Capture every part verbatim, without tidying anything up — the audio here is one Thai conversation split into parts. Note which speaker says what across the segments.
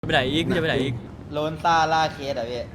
Speaker 1: ไปไหนอีกพี่จะไปไหนอีก
Speaker 2: โลนซ่าล่าเคสอ่ะพี่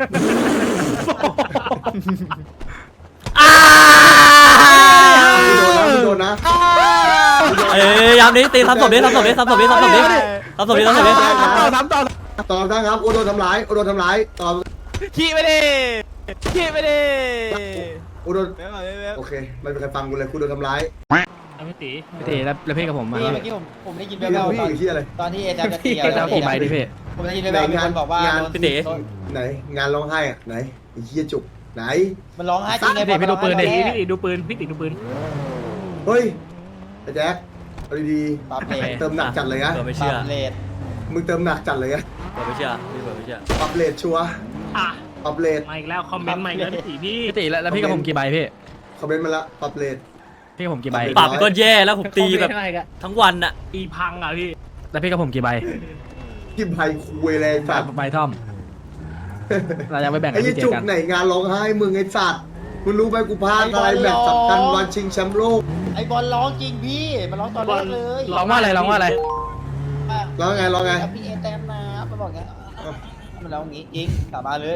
Speaker 3: โดนนะ
Speaker 1: เอ้ยยามนี้ตีทำศพดิทำศพดิทำศพดิทำศพดิทำศพดิทำศพดิ
Speaker 3: ต่อทำต่อต่อทางครับโอโดนทำร้ายโอโดนทำร้ายต่อ
Speaker 4: ขี้ไปดิขี้ไปดิ
Speaker 3: โอโดนโอเคไม่มีใครฟังกูเลยกูโดนทำร้าย
Speaker 4: พี่ตี
Speaker 5: พี่ตีแล้วแล้วพี่กับผมมา
Speaker 2: พี่เมื่อกี้ผมผมได้ยินแว่
Speaker 3: พี่
Speaker 2: วๆต
Speaker 3: พี่
Speaker 2: อน
Speaker 3: อยู่ที่อะไร
Speaker 2: ตอนที่เอจาจะตี
Speaker 5: พี่จะกี่ใบดิพี่
Speaker 2: ผมได้ยินแว่วๆมีคนบอกว่าโดน
Speaker 3: ไหนงานร้องไห้อะไหนไอ้เหี้ยจุกไหน
Speaker 2: มันร้องไห้จริงไง
Speaker 5: พี่ดูปืนดิ
Speaker 4: พี่ตีดูปืนพี่ตีดูปืน
Speaker 3: เฮ้ยไอ้แจ๊คเอาดี
Speaker 2: ปรับเลท
Speaker 3: ๆเติมหนักจัดเลยนะ
Speaker 1: เปิดไม่
Speaker 2: ป
Speaker 1: เชื่อ
Speaker 2: รับเลท
Speaker 3: มึงเติมหนักจัดเลยนะ
Speaker 1: เปิดไม่เชื่อพี่เปิดไม่เชื่อ
Speaker 3: ปรับเลทชัวร์
Speaker 4: อ่ะ
Speaker 3: ปรับเลท
Speaker 4: มาอีกแล้วคอมเมนต์มาอีกแล้วพี่ตีพี่
Speaker 5: พี่ตีแล้วแล้วพี่กับผมกี่ใบพี่
Speaker 3: คอมเมนต์มาละปรับเลท
Speaker 5: พี่กับผมกี่ใบ
Speaker 1: ปรับก็แย่แล้วผมตีแบบทั้งวันอะ
Speaker 4: ตีพังอ่ะพี่
Speaker 5: แล้วพี่กับผมกี่ใบ
Speaker 3: กินไผ่คุยเลยสัตว์
Speaker 5: ใบท่อมเราจะไปแบ่งกั
Speaker 3: ไอ้
Speaker 5: น
Speaker 3: ยี่
Speaker 5: ที่เจ
Speaker 3: จุก
Speaker 5: กัน
Speaker 3: ไหนงานร้องไห้มึงไอ้สัตว์มึงรู้ไหมกูพลาดอะไรแบบสำคัญวันชิงแชมป์โลก
Speaker 2: ไอบอลร้องจริงพี่มันร้องตอนแรกเลย
Speaker 5: ร้องว่าอะไรร้องว่าอะไร
Speaker 3: ร้องไงร้องไง
Speaker 2: พี่เอแต้มนะมันบอกงี้มันร้องงี้จริงกลับมาเลย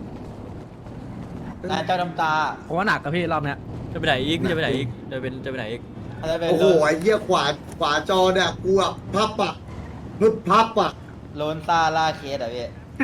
Speaker 2: นายเจ้าน้ำตา
Speaker 5: ผมว่าหนักกับพี่รอบเนี้ย
Speaker 1: จะไปไหนอีกพี่จะไปไหนอีกจะเป็นจะไปไหนอีก
Speaker 2: อะไรเป็น
Speaker 3: โอ้โหไอ้เหี้ยขวาขวาจอเนี่ยกูอะพับอะพึบพับอะ
Speaker 2: โลนซ่าล่าเคสอ่ะพี่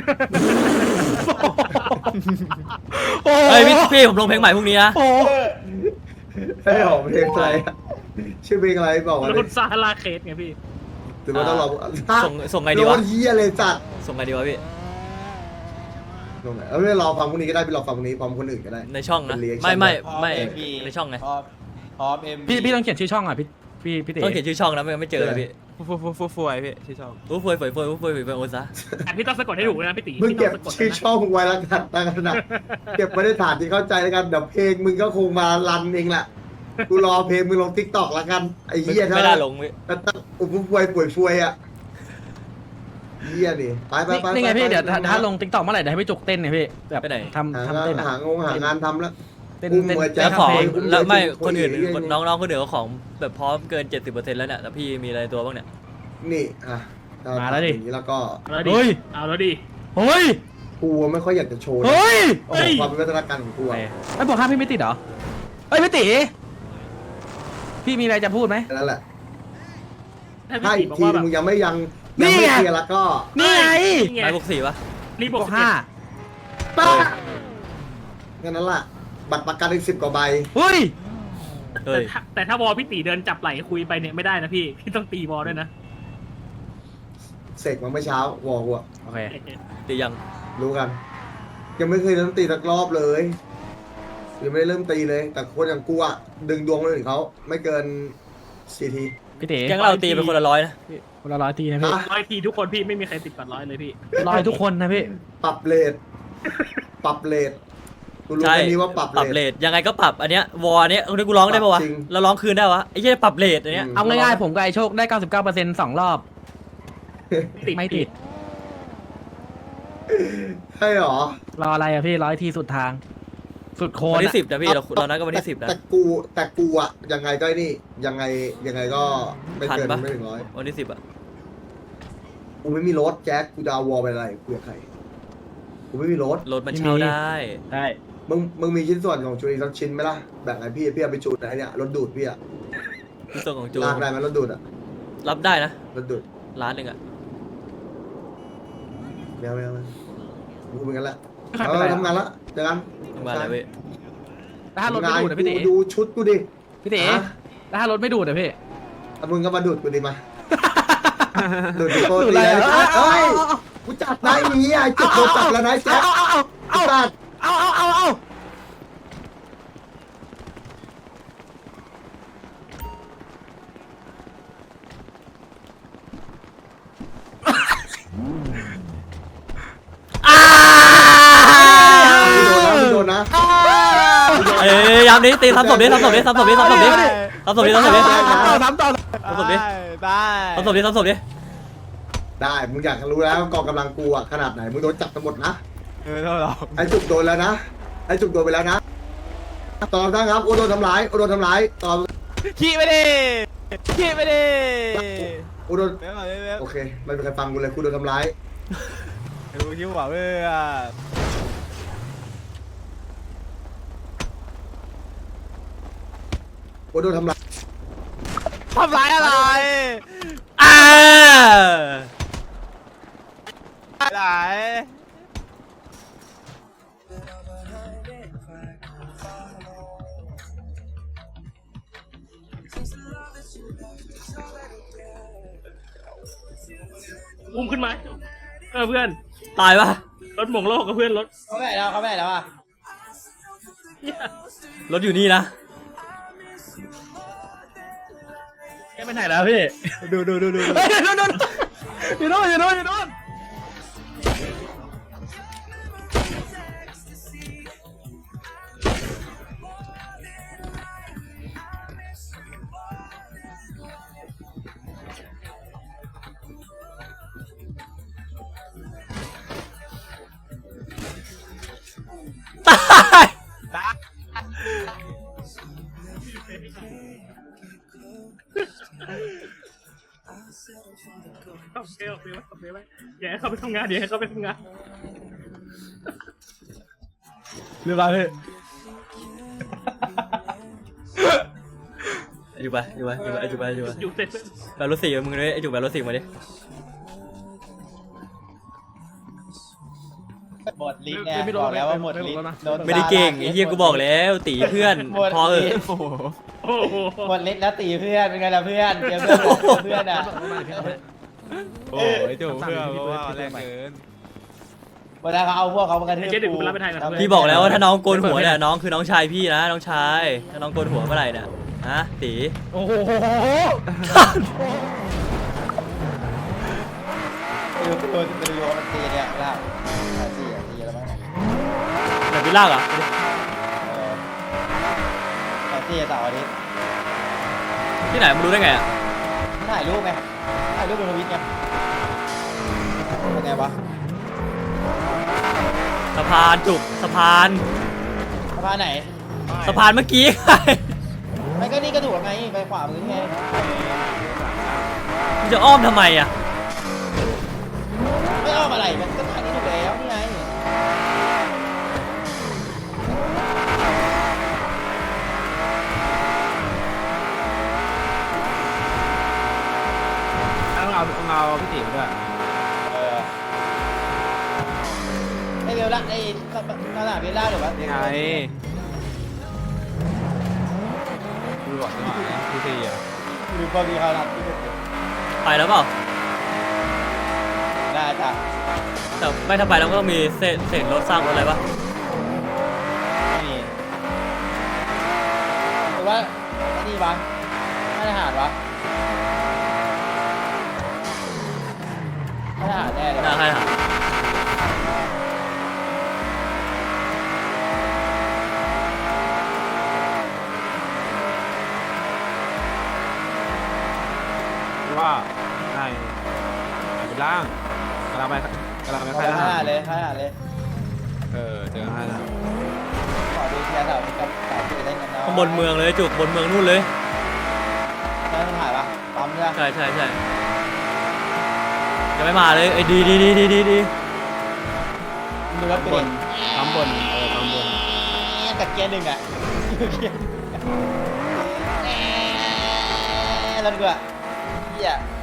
Speaker 1: เฮ้ยพี่พี่ผมลงเพลงใหม่พรุ่งนี้นะ
Speaker 3: ให้ออกเพลงอะไรอะชื่อเพลงอะไรบอกมา
Speaker 4: แล้ว
Speaker 3: เล
Speaker 4: คุ
Speaker 3: ย
Speaker 4: ณซาลาเคสไงพี่
Speaker 3: หรือว่าต้องรอ
Speaker 1: ส่งส่งไงดี
Speaker 3: โด
Speaker 1: วะ
Speaker 3: นเหี้ยเลยจัด
Speaker 1: ส่งไงดีวะพี่
Speaker 3: ตรงไหนเอาไม่รอฟังพรุ่งนี้ก็ได้ไปรอฟังพรุ่งนี้พร้อมคนอื่นก็ได้
Speaker 1: ในช่องนะ
Speaker 3: เป็น reaction
Speaker 1: ไม่ไม่
Speaker 2: พร้อ
Speaker 1: ไม่
Speaker 2: เอ็มพี
Speaker 1: ในช่องไง
Speaker 2: พร้อมพร้อมเอ็ม
Speaker 5: พี่พี่ต้องเขียนชื่อช่องอ่ะพี่พี่พี่ตี
Speaker 1: ต้องเขียนชื่อช่องนะไม่งั้นไม่เจอเลยพี่
Speaker 4: ฟูฟูฟูฟูไอพี่ที่ชอบ
Speaker 1: อู้ฟวยฟวยฟวยอู้ฟวยฟวยฟวยโอซะ
Speaker 4: แต่พี่ต้องสะกดให้ถูกนะพี่ตี
Speaker 3: มึง
Speaker 4: พี่ต้
Speaker 3: เก็
Speaker 4: อบ งสะกด
Speaker 3: ชื่อ
Speaker 4: นะ
Speaker 3: ช่องไว้แล้วกันตั้งขนาดเก็บไว้ในฐานที่เข้าใจแล้วกันเดี๋ยวเพลงมึงก็คงมารันเองแหละกูรอเพลงมึงลงทิกตอกแล้วกันไอ้เหี้ย
Speaker 1: ไม่ได้ลงพี่
Speaker 3: แต่ตั้งอุบป่วยป่วยฟวยอะเหี้ยดิไปไปไป
Speaker 5: นี่ไงพี่เดี๋ยวถ้าถ้าลง
Speaker 3: ง
Speaker 5: ติ๊กต็อกเมื่อไหร่เดี๋ยวให้พี่จุกเต้นไงพี่แบบ
Speaker 1: ไปไหน
Speaker 5: ทำ
Speaker 3: หา
Speaker 5: ทำเต้นอ่ะ
Speaker 3: หางงหางานทำแล้ว
Speaker 5: เต้น
Speaker 3: อุ้ม
Speaker 5: เต้น
Speaker 3: หัวใจ
Speaker 1: แล้วของ
Speaker 5: เพลง
Speaker 1: แล้วไม่
Speaker 3: อุ้ม
Speaker 1: คนอื่น
Speaker 3: อุ้ม
Speaker 1: คนน้องๆคนอื่นเขาของแบบพร้อมเกินเจ็ดสิบเปอร์เซ็นต์แล้วเนี่ยแต่พี่มีอะไรตัวบ้างเนี่ย
Speaker 3: นี่อ่ะเอ
Speaker 5: มาแล้วดิ
Speaker 3: อย่างนี้แล้วก็
Speaker 4: เอาแล้วดิ
Speaker 5: เฮ้ย
Speaker 4: เอาแล้วดิ
Speaker 5: เฮ้ย
Speaker 3: กูไม่ค่อยอยากจะโชว์นะ
Speaker 5: เฮ้ย
Speaker 3: โอ้โหความเป็นวัฒนการของกูอะ
Speaker 5: ไอ้บอกห้าพี่ไม่ติดเหรอเฮ้ยพี่ตีพี่มีอะไรจะพูดไหม
Speaker 3: นั่นแหละ
Speaker 4: ถ้า
Speaker 3: ถ้า
Speaker 4: พี่
Speaker 3: อี
Speaker 4: ตี
Speaker 3: ก
Speaker 4: บอก
Speaker 3: ที
Speaker 4: ว่าแบบ
Speaker 3: มึงยังไม่ยัง
Speaker 5: นี่
Speaker 3: ยังไม่
Speaker 5: ไง
Speaker 3: เคลียร์แล้วก็
Speaker 5: นี่ไง
Speaker 4: นี่ไง
Speaker 1: ไม้บวกสี่ปะ
Speaker 4: นี่บบ ว
Speaker 5: ว
Speaker 4: ก
Speaker 5: ก
Speaker 4: ห้า
Speaker 5: ห้า
Speaker 3: ป้าแค่นั้นแหละบัตรประกันอีกสิบกว่าใบ
Speaker 5: เฮ้ย
Speaker 1: เฮ้ย
Speaker 4: แต่ถ้าวอพี่ตีเดินจับไหล่คุยไปเนี่ยไม่ได้นะพี่พี่ต้องตีวอด้วยนะ
Speaker 3: เสกมาเมื่อเช้าวอลกูอะ
Speaker 5: โอเค
Speaker 1: ตียัง
Speaker 3: รู้กัน ยังไม่เคยเริ่มตีสักรอบเลยยังไม่ได้เริ่มตีเลย แต่คนอย่างกูอะดึงดวงคนอื่นเขาไม่เกินสี่ที
Speaker 5: พี่ตี
Speaker 1: แก๊งเราตีเป็นคนละร้อยนะ
Speaker 5: คนละร้อยทีนะพี่
Speaker 3: ฮะ
Speaker 4: ร้อยทีทุกคนพี่ไม่มีใครติดก่อนร้อยเลยพี่
Speaker 5: ร้อยทุกคนนะพี่
Speaker 3: ปรับเลทปรับเลทกูรู้
Speaker 1: ใช่
Speaker 3: แค่นี้ว่าปรับ
Speaker 1: ปรับ
Speaker 3: เล
Speaker 1: เล
Speaker 3: ท
Speaker 1: ทยังไงก็ปรับอันเนี้ยวอร์เนี้ยคนนี้กูร้องได้ปะวะ
Speaker 3: ปรับจริง
Speaker 1: เราร้องคืนได้วะไอ้เหี้ยปรับเลทอันเนี้ย
Speaker 3: อืม
Speaker 5: เอาง่ายๆผมกับไอโชคได้ เก้าสิบเก้าเปอร์เซ็นต์ สองรอบ ไม่ติด
Speaker 3: ใช่หรอ
Speaker 5: รออะไรอะพี่ร้อยทีสุดทาง สุดโค
Speaker 1: วัน
Speaker 5: น
Speaker 1: ที่
Speaker 5: อะ
Speaker 1: สิบนะพี่เราเรานัดกันวันที่สิบนะ
Speaker 3: แต่กูแต่กูอะยังไงก็ไอ้นี่ยังไงยังไงก็ไม่เกิน
Speaker 1: ทันปะ
Speaker 3: ไม่ถึงร้อย
Speaker 1: วันที่สิบอะ
Speaker 3: กูไม่มีรถแจ็คกูจะเอาวอลไปอะไรกูอยากใครกูไม่มีรถ
Speaker 1: รถมันเช่าได้
Speaker 5: ได้
Speaker 3: มึงมึงมีชิ้นส่วนของจูนอีกสักชิ้นไหมล่ะแบ่งให้พี่พี่เอาไปจูนไหนเนี่ยรถดูดพี่อะ
Speaker 1: ที่ส่งของจู
Speaker 3: ลากได้ไหมรถดูดอะ
Speaker 1: รับได้นะ
Speaker 3: รถดูด
Speaker 1: ร้านหนึ่งอะ
Speaker 3: ไม่เอาไม่เอาไม่เอากูเป็นกันแหละ
Speaker 5: ใคร
Speaker 3: เอ
Speaker 5: เป็นไร
Speaker 3: อ
Speaker 5: อะ
Speaker 3: ทำงานละเจอกัน
Speaker 1: ทำงานอะไรเว้ย
Speaker 5: แล้วถ้ารถไม่ดูดอะพี่ตี
Speaker 3: กูดูชุดกูดิ
Speaker 5: พี่ตี
Speaker 3: ฮะ
Speaker 5: แล้วถ้ารถไม่ดูดอะพี่
Speaker 3: อ่ะมึงก็มาดูดกูดิมาดูดดิโก้
Speaker 5: ดูด
Speaker 3: ตี
Speaker 5: อะไร
Speaker 3: เลย
Speaker 5: อะ
Speaker 3: เฮ้ยกูจับได้อย่างงี้อ่ะจุดโดนจับแล้วนะไอ้แจ็ค
Speaker 5: เอาเอา
Speaker 3: ไอ้สัตว์
Speaker 5: เอาเอาเอาเอา
Speaker 3: โดนนะ
Speaker 1: เอ้ยยามนี้ตีทำศพดิทำศพดิทำศพดิทำศพดิทำศพดิทำศพดิ
Speaker 5: ต่อสามต่อ
Speaker 1: ทำศพดิ
Speaker 2: ได้
Speaker 1: ทำศพดิทำศพดิ
Speaker 3: ได้มึงอยากรู้แล้วกองกำลังกูอ่ะขนาดไหนมึงโดนจับทั้งหมดนะ
Speaker 2: เออเรา
Speaker 3: ไอ้จุกโดนแล้วนะไอ้จุกโดนไปแล้วนะต่อทั้งครับโอโดนทำร้ายโอโดนทำร้ายต่อ
Speaker 4: ขี้ไปดิขี้ไปดิ
Speaker 3: โอโดนโอเคไม่มีใครฟังกูเลยกูโดนทำร้าย
Speaker 5: ดูคิวว่าเว้ย
Speaker 3: โอ้โดนทำร้าย
Speaker 5: ทำร้ายอะไร
Speaker 1: อ่า
Speaker 5: อะไร
Speaker 4: อุ้มขึ้นมาเออเพื่อน
Speaker 1: ตายปะ
Speaker 4: รถหม่งโลกกับเพื่อนรถ
Speaker 2: เขาไม่ไหนแล้วเขาไม่ไหนแล้วอ่ะ
Speaker 1: รถอยู่นี่นะ
Speaker 5: แกไปไหนแล้วพี่ ดูดูดูดูเฮ้ยดูดูอยู่โน่นอยู่โน่นอยู่โน่น
Speaker 1: ตาย
Speaker 4: เข้าเกลไปไว้ไปไว้อย่าให้เขาไปทำงานอย่าให้เขาไปทำงาน
Speaker 5: เรียบร้อยพี่
Speaker 1: อยู่ไปอยู่ไปอยู่ไปอยู่ไปอยู่ไป
Speaker 4: อยู่เสร็จ
Speaker 1: แบบรถสี่มึงเลยไอ้จุกแบบรถสี่มาดิ
Speaker 2: หมดลิ้นเนี่ยบอกแล้วว่าหมดลิ้นโดน
Speaker 1: ไม่ได้เก่งไอ้เหี้ยกูบอกแล้วตีเพื่อนพอเออ
Speaker 5: โอ้โห
Speaker 4: โอ้โห
Speaker 2: หมดลิ้นแล้วตีเพื่อนเป็นไงล่ะเพื่อนเจอเพื่อนบอกเพื่อนอ่ะ
Speaker 5: โอ้ยจู่เพื่อนเพราะว่าแรงเกิน
Speaker 2: เวลาเขาเอาพวกเขามากระทืบ
Speaker 4: เจ๊เดี๋ยวกูไปรับไปไทยนะ
Speaker 1: พี่บอกแล้วว่าถ้าน้องโกนหัวเนี่ยน้องคือน้องชายพี่นะน้องชายถ้าน้องโกนหัวเมื่อไหร่เนี่ยฮะตี
Speaker 5: โอ้โห
Speaker 2: ไปดูตัวไปดูโยมันตีเนี่ยล่าตีอ่ะตีแล้วมั้ง
Speaker 1: แบบพี่ลากเหรอ
Speaker 2: เออแต่ตีเสาร์อาทิตย์
Speaker 1: ที่ไหนมึงรู้ได้ไงอ่ะ
Speaker 2: ถ่ายรูปไงถ่ายรูปบนทวิตไงเป็นไงวะ
Speaker 1: สะพานจุกสะพาน
Speaker 2: สะพานไหน
Speaker 1: สะพานเมื่อกี้
Speaker 2: ไม่ก็นี่ก็ถูกไงไปขวามือไง
Speaker 1: มึงจะอ้อมทำไมอ่ะ
Speaker 2: ไม่อ้อมอะไรมันก็ทางนี้ถูกแล้วนี่ไง
Speaker 5: ต้องเอาต้องเอาพี่ติ๋วด้วย
Speaker 2: เออไอเวลล่าไอตลาดเวลล่าหรือวะ
Speaker 5: ยังไงดูก่อนดีกว่าพี่ตีอ่ะ
Speaker 2: หรือพอมีเขารับที่ถูก
Speaker 1: ไปแล้วเปล่า
Speaker 2: ได้จ้ะ
Speaker 1: แต่ไม่ถ้าไปแล้วก็ต้องมีเศษเศษรถสร้างรถอะไรปะ
Speaker 2: ไม่มีหรือว่าไอ้นี่วะไม่ได้หารวะไม่ได้หารแน่เลย
Speaker 1: น่าใครหา
Speaker 5: ว่าในเป็นล่างกำลังไปกำลังไป
Speaker 2: ขอ
Speaker 5: ค่ายท
Speaker 2: ข
Speaker 5: หา
Speaker 2: นาด
Speaker 5: ร
Speaker 2: เลยขนาดเลย
Speaker 5: เออเจอค่ายทหาร
Speaker 2: ขอดูเทียร์เสาร์กับสาวที่จะได้เงินน้อย
Speaker 1: ข้างบนเมืองเลยจุกบนเมืองนู่นเลย
Speaker 2: ได้ไม่ถ่ายปะปั๊มใช่ปะ
Speaker 1: ใช่ใช่ใช่ยังไม่มาเลยไอ้ดีดีดีดีดีดี
Speaker 2: ดูรถ
Speaker 5: บ
Speaker 2: เป็น
Speaker 5: นปั๊มบนเออปั๊มบน
Speaker 2: กับเกียร์หนึ่งอ่ะเกียร์แล้วดูอ่ะเฮีย